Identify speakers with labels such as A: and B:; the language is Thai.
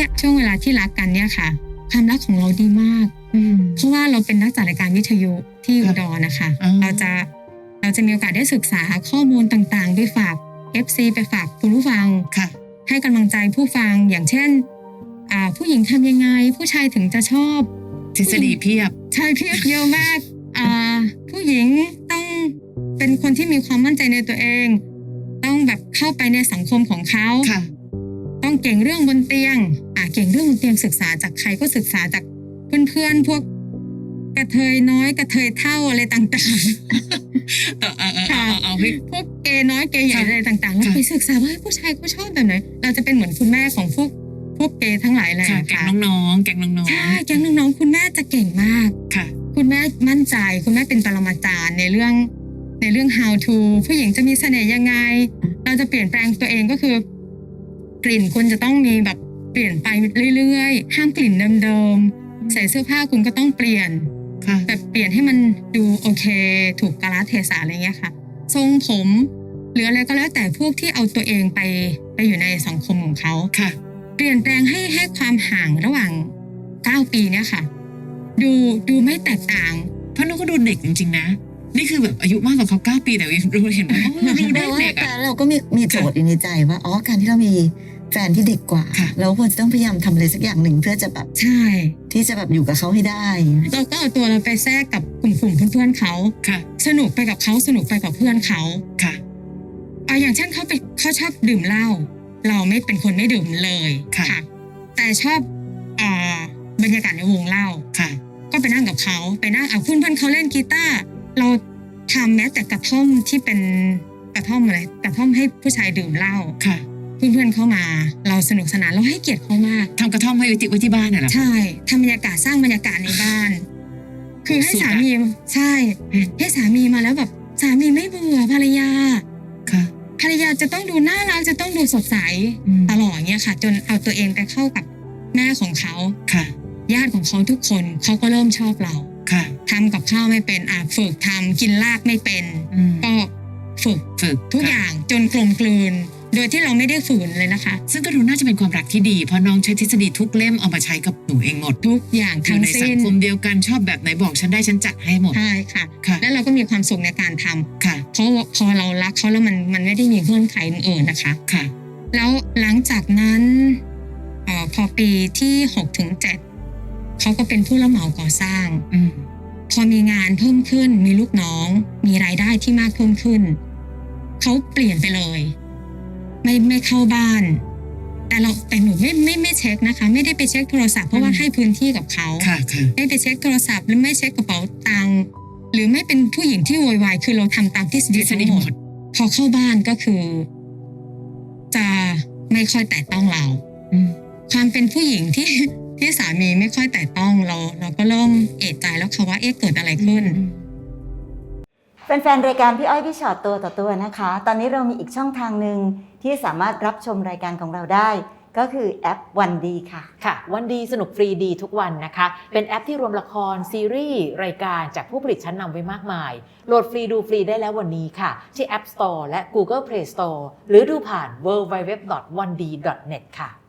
A: เนี่ยช่วงเวลาที่รักกันเนี่ยค่ะความรักของเราดีมากเพราะว่าเราเป็นนักจัดรายการวิทยุที่อุดรนะคะเราจะมีโอกาสได้ศึกษาข้อมูลต่างๆไปฝาก FC ไปฝากคุณผู้ฟังให้กำลังใจผู้ฟังอย่างเช่นผู้หญิงทำยังไงผู้ชายถึงจะชอบ
B: ทฤษฎีเพียบ
A: ใช่เพียบเยอะมากผู้หญิงต้องเป็นคนที่มีความมั่นใจในตัวเองต้องแบบเข้าไปในสังคมของเขาต้องเก่งเรื่องบนเตียงเก่งเรื่องบนเตียงศึกษาจากใครก็ศึกษาจากเพื่อนๆพวกกระเทยน้อยกระเทยเท่าอะไรต่างๆเอาให้พวกเกย์น้อยเกย์ใหญ่อะไรต่างๆแล้วไปศึกษาว่าผู้ชายเขาชอบแบบไหนเราจะเป็นเหมือนคุณแม่ของพวกเกย์ทั้งหลายเลย
B: แก๊งน้องๆ
A: ใช่แก๊งน้องๆคุณแม่จะเก่งมากคุณแม่มั่นใจคุณแม่เป็นปรมาจารย์ในเรื่อง how to ผู้หญิงจะมีเสน่ห์ยังไงเราจะเปลี่ยนแปลงตัวเองก็คือกลิ่นคุณจะต้องมีแบบเปลี่ยนไปเรื่อยๆห้ามกลิ่นเดิมๆใส่เสื้อผ้าคุณก็ต้องเปลี่ยนแต่เปลี่ยนให้มันดูโอเคถูกกาลเทศะอะไรเงี้ยค่ะทรงผมหรืออะไรก็แล้วแต่พวกที่เอาตัวเองไปอยู่ในสังคมของเขาเปลี่ยนแปลงให้ความห่างระหว่าง9 ปีเนี่ยค่ะดูไม่แตกต่าง
B: เพราะน้องก็ดูเด็กจริงๆนะนี่คือแบบอายุมากกว่าเขา9 ปีแต่รู้เห็นว่าดูเด็ก
C: แต่เราก็มีโจทย์อยู่ในใจว่าการที่เรามีแฟนที่เด็กกว่าเราควรจะต้องพยายามทำอะไรสักอย่างหนึ่งเพื่อจะแบบ
A: ใช่
C: ที่จะแบบอยู่กับเขาให้ได้
A: เราก็เอาตัวเราไปแทรกกับกลุ่มเพื่อนๆเขาสนุกไปกับเขาสนุกไปกับเพื่อนเขาอย่างเช่นเขาชอบดื่มเหล้าเราไม่เป็นคนไม่ดื่มเลยค่ะแต่ชอบบรรยากาศในวงเหล้าก็ไปนั่งกับเขาไปนั่งเพื่อนเขาเล่นกีตาร์เราทำแม้แต่กระท่อมที่เป็นกระท่อมอะไรกระท่อมให้ผู้ชายดื่มเหล้าเพื่อนเข้ามาเราสนุกสนานเราให้เกียรติเขามาก
B: ทำกระท่อมให้ไว้ที่บ้านน่ะเหรอ
A: ใช่ทำบรรยากาศสร้างบรรยากาศในบ้านคือให้สามีใช่ให้สามีมาแล้วแบบสามีไม่เบื่อภรรยาภรรยาจะต้องดูน่ารักจะต้องดูสดใสตลอดเงี้ยค่ะจนเอาตัวเองไปเข้ากับแม่ของเขาญาติของเขาทุกคนเขาก็เริ่มชอบเราทำกับข้าวไม่เป็นฝึกทำกินลากไม่เป็นก็ฝึกทุกอย่างจนกลมกลืนโดยที่เราไม่ได้ฝืนเลยนะคะ
B: ซึ่งก็ดูน่าจะเป็นความรักที่ดีเพราะน้องใช้ทฤษฎีทุกเล่มเอามาใช้กับหนูเองหมด
A: ทุกอย่างทั้งสิ้น
B: ในสังคมเดียวกันชอบแบบไหนบอกฉันได้ฉันจัดให้หมด
A: ใช่ค่ะแล้วเราก็มีความสุขในการทำเพราะพอเรารักเขาแล้วมันไม่ได้มีเงื่อนไขอื่นๆนะคะแล้วหลังจากนั้นพอปีที่6 ถึง 7เขาก็เป็นผู้รับเหมาก่อสร้างพอมีงานเพิ่มขึ้นมีลูกน้องมีรายได้ที่มากเพิ่มขึ้นเขาเปลี่ยนไปเลยไม่เข้าบ้านแต่หนูไม่เช็คนะคะไม่ได้ไปเช็คโทรศัพท์เพราะว่าให้พื้นที่กับเขาไม่ไปเช็คโทรศัพท์หรือไม่เช็คกระเป๋าตังค์หรือไม่เป็นผู้หญิงที่โวยวายคือเราทำตามทฤษฎีทั้งหมดพอเข้าบ้านก็คือจะไม่ค่อยแตะต้องเราความเป็นผู้หญิงที่สามีไม่ค่อยแตะต้องเราก็เริ่มเอะใจแล้วค่ะว่าเกิดอะไรขึ้น
C: แฟนๆรายการพี่อ้อยพี่ชอตตัวต่อตัวนะคะตอนนี้เรามีอีกช่องทางหนึ่งที่สามารถรับชมรายการของเราได้ก็คือแอปวันดี
D: ค่ะวันดีสนุกฟรีดีทุกวันนะคะเป็นแอปที่รวมละครซีรีส์รายการจากผู้ผลิตชั้นนำไว้มากมายโหลดฟรีดูฟรีได้แล้ววันนี้ค่ะที่ App Store และ Google Play Store หรือดูผ่าน www.1d.net ค่ะ